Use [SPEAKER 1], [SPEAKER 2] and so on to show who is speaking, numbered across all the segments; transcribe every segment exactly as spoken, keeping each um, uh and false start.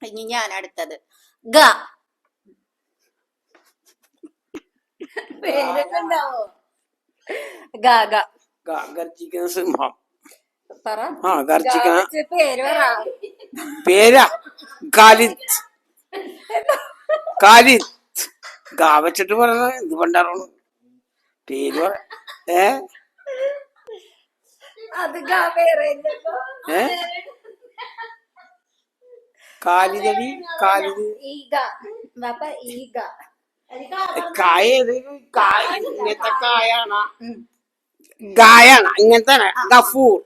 [SPEAKER 1] ഇനി ഞാൻ അടുത്തത് ഗ. പേരൊക്കെ ഉണ്ടാവോ? ഗ ഗ
[SPEAKER 2] ഗർജിക്കുന്ന സിംഹം.
[SPEAKER 1] പറ.
[SPEAKER 2] ആ ഗർജിക്കുന്ന
[SPEAKER 1] പേര് പറ.
[SPEAKER 2] പേരാ കാലിത്ത്. കാലിത്ത് ഗാ വെച്ചിട്ട് പറഞ്ഞ എന്ത് പണ്ടാറോണ് പേര് പറ. ഏ
[SPEAKER 1] അത് ഗ പേര്
[SPEAKER 2] ഏ കാലിതടി കാലിത്
[SPEAKER 1] ഈഗ ബാപ്പ ഈഗ.
[SPEAKER 2] കായ കായ ഇങ്ങനത്തെ കായാണ് ഗായാണ് ഇങ്ങനത്തെ ഗഫൂർ.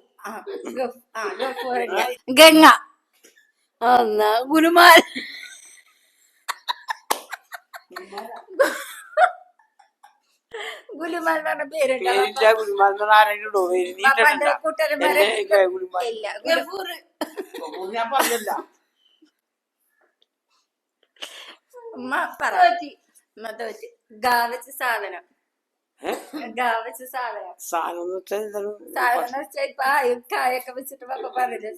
[SPEAKER 1] ഗംഗ. എന്നാ ഗുലുമാൽ. ഗുലുമാൽ എന്ന് പറഞ്ഞ പേരുണ്ടോ?
[SPEAKER 2] പേരില്ല. ഗുലുമാൽ എന്ന് പറഞ്ഞ ആരെങ്കിലും ഇടോ? ഞാൻ പറഞ്ഞില്ല.
[SPEAKER 1] ഗാവച്ച സാധനം. ഗാവച്ച സാധനം
[SPEAKER 2] സാധനം
[SPEAKER 1] സാധനം വെച്ചാ ഇപ്പൊ കായൊക്കെ വെച്ചിട്ട് പപ്പ പറഞ്ഞില്ല.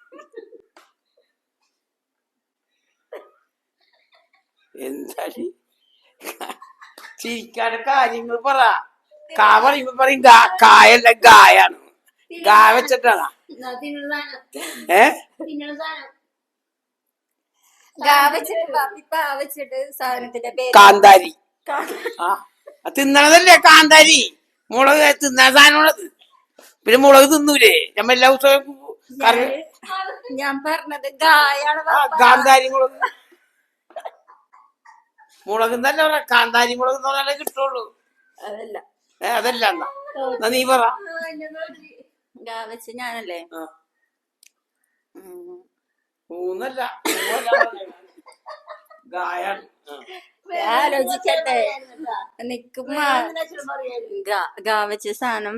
[SPEAKER 2] എന്താ ചിരിക്കാന്റെ കാര്യങ്ങൾ പറ. കാ പറയുമ്പോ പറയും കായല്ല ഗായാണ്. ഗാ വെച്ചിട്ടാണ്. ഏ
[SPEAKER 1] സാധനത്തിന്റെ പേര്
[SPEAKER 2] കാന്താരി. ആ തിന്നണതല്ലേ കാന്താരി. മുളക് തിന്നാൻ സാധനമാണത്. പിന്നെ മുളക് തിന്നൂലേ നമ്മ എല്ലാ ദിവസവും കറി.
[SPEAKER 1] ഞാൻ പറഞ്ഞത് ഗായാണ്.
[SPEAKER 2] കാന്താരി മുളക് മുളക് തന്നെ പറ. കാന്താരി മുളക് എന്ന് പറഞ്ഞാലേ കിട്ടുള്ളൂ.
[SPEAKER 1] അതല്ല
[SPEAKER 2] ഏ അതല്ല എന്നാ നീ പറ.
[SPEAKER 1] ഗാ വെച്ച് ഞാനല്ലേ
[SPEAKER 2] മൂന്നല്ല ഗായാണ്.
[SPEAKER 1] ആലോചിക്കട്ടെ നിക്കുമ്പോ ഗാ വെച്ച സാധനം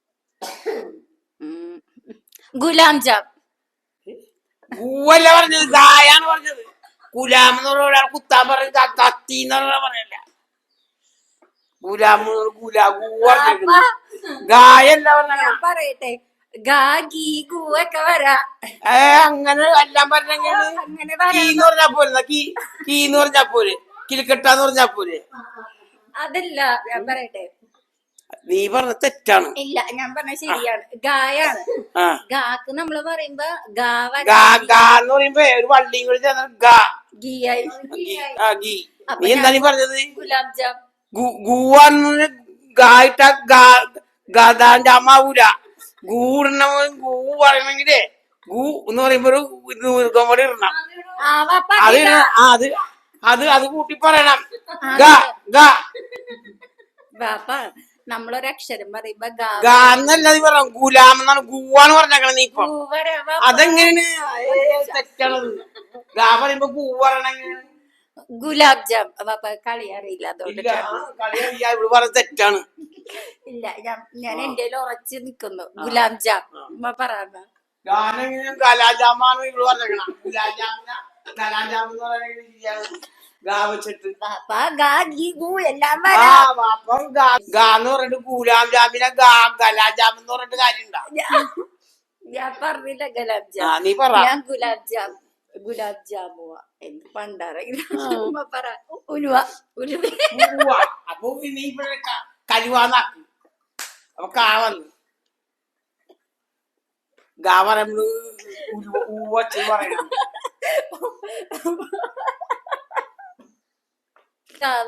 [SPEAKER 1] ഗുലാം ജാം.
[SPEAKER 2] ഗൂവല്ല പറഞ്ഞത് ഗായാണ് പറഞ്ഞത്. ഗുലാം എന്ന് പറഞ്ഞ ഒരാൾ കുത്താൻ പറഞ്ഞ കത്തി എന്ന് പറഞ്ഞ പറയല്ല. ഗുലാം ഗുലാ ഗൂ ഗായല്ല പറഞ്ഞ.
[SPEAKER 1] പറയട്ടെ ഗാ ഗീ ഗൂ ഒക്കെ വരാ.
[SPEAKER 2] ഏ അങ്ങനെ എല്ലാം പറഞ്ഞെങ്കിൽ കീന്ന് പറഞ്ഞാ പോരെ. കീ കീന്ന് പറഞ്ഞാ പോരെ. കിലിക്കെട്ടാന്ന് പറഞ്ഞാ പോരെ.
[SPEAKER 1] അതല്ല ഞാൻ പറയട്ടെ.
[SPEAKER 2] നീ പറഞ്ഞ തെറ്റാണ്.
[SPEAKER 1] ഇല്ല ഞാൻ പറഞ്ഞ ശരിയാണ്. ഗായാണ്. ഗാക്ക് നമ്മള് പറയുമ്പോ
[SPEAKER 2] ഗാന്ന് പറയുമ്പോ ഒരു വള്ളിയും കൂടി ചേർന്ന ഗാ ഗീ. നീ എന്താ നീ പറഞ്ഞത്?
[SPEAKER 1] ഗുലാം ജാം.
[SPEAKER 2] ഗൂവാന്ന് ഗായിട്ട ഗാതാണ്ടാവൂല. ഗൂടണ ഗൂ പറയണെങ്കിലേ ഗൂ എന്ന് പറയുമ്പോ ഒരു കൂടി ഇടണം. അത് അത് അത് അത് കൂട്ടി പറയണം.
[SPEAKER 1] നമ്മളൊരക്ഷരം പറയുമ്പോ
[SPEAKER 2] ഗാന്നല്ല നീ പറ. ഗുലാം എന്നാണ് ഗൂവാന്ന് പറഞ്ഞേക്കണം നീ ഇപ്പൊ. അതെങ്ങനെയാണ് തെറ്റാണത്? ഗാ പറയുമ്പോ ഗൂ പറയണെങ്കിൽ
[SPEAKER 1] ഗുലാബ് ജാം. കളി അറിയില്ല അതുകൊണ്ട്
[SPEAKER 2] പറഞ്ഞ തെറ്റാണ്.
[SPEAKER 1] ഇല്ല ഞാൻ ഞാൻ എന്റെ ഉറച്ചു നിക്കുന്നു. ഗുലാബ് ജാം പറഞ്ഞ
[SPEAKER 2] ഗാനെങ്കിലും കലാജാമാണ് ഇവിടെ പറഞ്ഞേക്കണം. ഗുലാജാമിന കലാജാം എന്ന് പറയുന്നത് ഗാ വെച്ചിട്ട്
[SPEAKER 1] എല്ലാം
[SPEAKER 2] ഗാന്ന് പറഞ്ഞിട്ട് ഗുലാം ജാമിനെ ഗാ ഗലാജാം എന്ന് പറഞ്ഞിട്ട് കാര്യമുണ്ടോ?
[SPEAKER 1] ഞാൻ പറഞ്ഞില്ല ഗുലാബ് ജാം.
[SPEAKER 2] നീ പറ.
[SPEAKER 1] ഞാൻ ഗുലാബ് ജാം ഗുലാബ് ജാമുവ എന്ത് പണ്ടാറെങ്കിലും പറ. ഉലുവ ഉലുവ.
[SPEAKER 2] അപ്പൊ നീ കലുവാന്നാക്കി. അപ്പൊ കാ വന്നു ഗാ പറയുമ്പോ പറയണം.